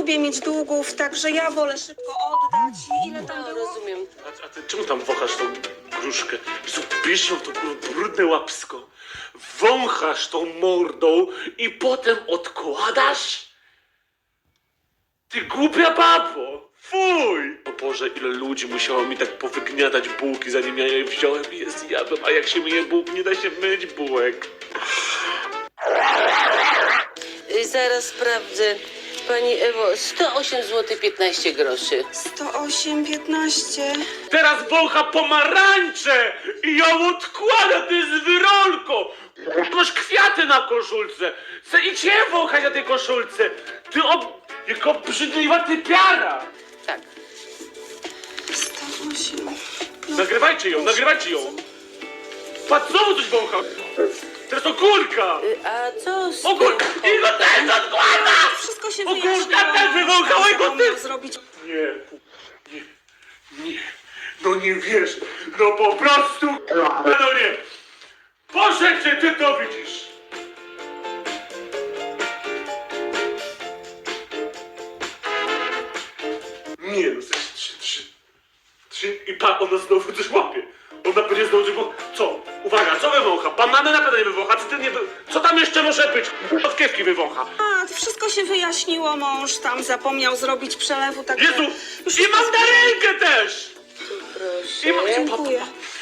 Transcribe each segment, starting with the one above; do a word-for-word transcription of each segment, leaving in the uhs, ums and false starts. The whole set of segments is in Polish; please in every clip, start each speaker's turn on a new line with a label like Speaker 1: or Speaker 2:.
Speaker 1: lubię mieć długów, także ja wolę szybko oddać. I ile tam
Speaker 2: No,
Speaker 1: było?
Speaker 2: rozumiem.
Speaker 3: A, a ty czemu tam wąchasz tą gruszkę? Jezu, bierz ją to kurwa brudne łapsko. Wąchasz tą mordą i potem odkładasz? Ty głupia babo! Fuj! O Boże, ile ludzi musiało mi tak powygniatać bułki, zanim ja je wziąłem i je zjadłem. A jak się myje bułki, nie da się myć bułek.
Speaker 2: Y, Zaraz sprawdzę. Pani Ewo, sto osiem złotych piętnaście groszy.
Speaker 1: sto osiem, piętnaście.
Speaker 3: Teraz wącha pomarańcze i ją odkłada, ty z wyrolką! Masz kwiaty na koszulce! Chcę idź je wąchać na tej koszulce! Ty ob... Jako obrzydliwa typiara!
Speaker 2: Tak.
Speaker 1: sto osiem. No,
Speaker 3: Nagrywajcie ją, nagrywajcie ją! Patrz, znowu coś wącha! Teraz to kurka!
Speaker 2: Y, A co z
Speaker 3: O kurka!
Speaker 2: tym
Speaker 3: I go też odkłada!
Speaker 1: wszystko się
Speaker 3: O kurka,
Speaker 1: wyjaśniło.
Speaker 3: też wywąchała i go
Speaker 1: Co miał
Speaker 3: też!
Speaker 1: zrobić?
Speaker 3: Nie, nie, nie, no nie wiesz, no po prostu, no nie. Boże, czy ty to widzisz? Nie, no coś, trzy, trzy, trzy i pa, ona znowu coś łapie. Ona będzie znowu coś wącha. Co? Uwaga, co wywącha? Banany na pewno nie wywącha, co ty nie wy... Co tam jeszcze może być? Odkiewki wywącha.
Speaker 1: A, wszystko się wyjaśniło, mąż tam zapomniał zrobić przelewu, tak.
Speaker 3: Jezu, i mandarynkę też!
Speaker 2: Proszę.
Speaker 3: I ma...
Speaker 1: Dziękuję.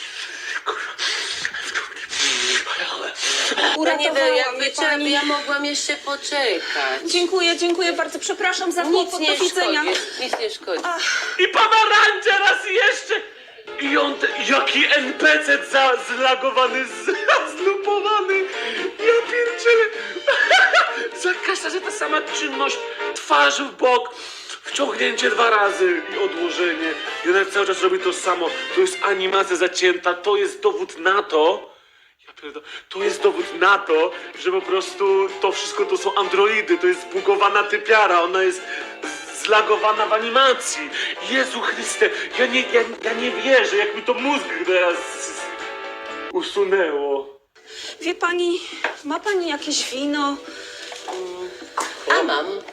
Speaker 2: Panie Ewo,
Speaker 1: Uratowała
Speaker 2: jakby
Speaker 1: mnie
Speaker 2: trzeba,
Speaker 1: pani.
Speaker 2: ja mogłam jeszcze poczekać.
Speaker 1: Dziękuję, dziękuję bardzo. Przepraszam za
Speaker 2: Nic
Speaker 1: kłopot.
Speaker 2: nie
Speaker 1: Do widzenia.
Speaker 2: szkodzi, nic nie szkodzi.
Speaker 3: I pomarańcze raz jeszcze! I on, te, jaki en pe ce za, zlagowany, z- zlupowany! Ja pierdzielę! Za każda, że ta sama czynność, twarz w bok, wciągnięcie dwa razy i odłożenie. I ona cały czas robi to samo. To jest animacja zacięta, to jest dowód na to, ja pierdolę, to jest dowód na to, że po prostu to wszystko to są androidy, to jest zbugowana typiara, ona jest zlagowana w animacji. Jezu Chryste, ja nie, ja, ja nie wierzę, jak mi to mózg teraz usunęło.
Speaker 1: Wie pani, ma pani jakieś wino?
Speaker 2: A mam.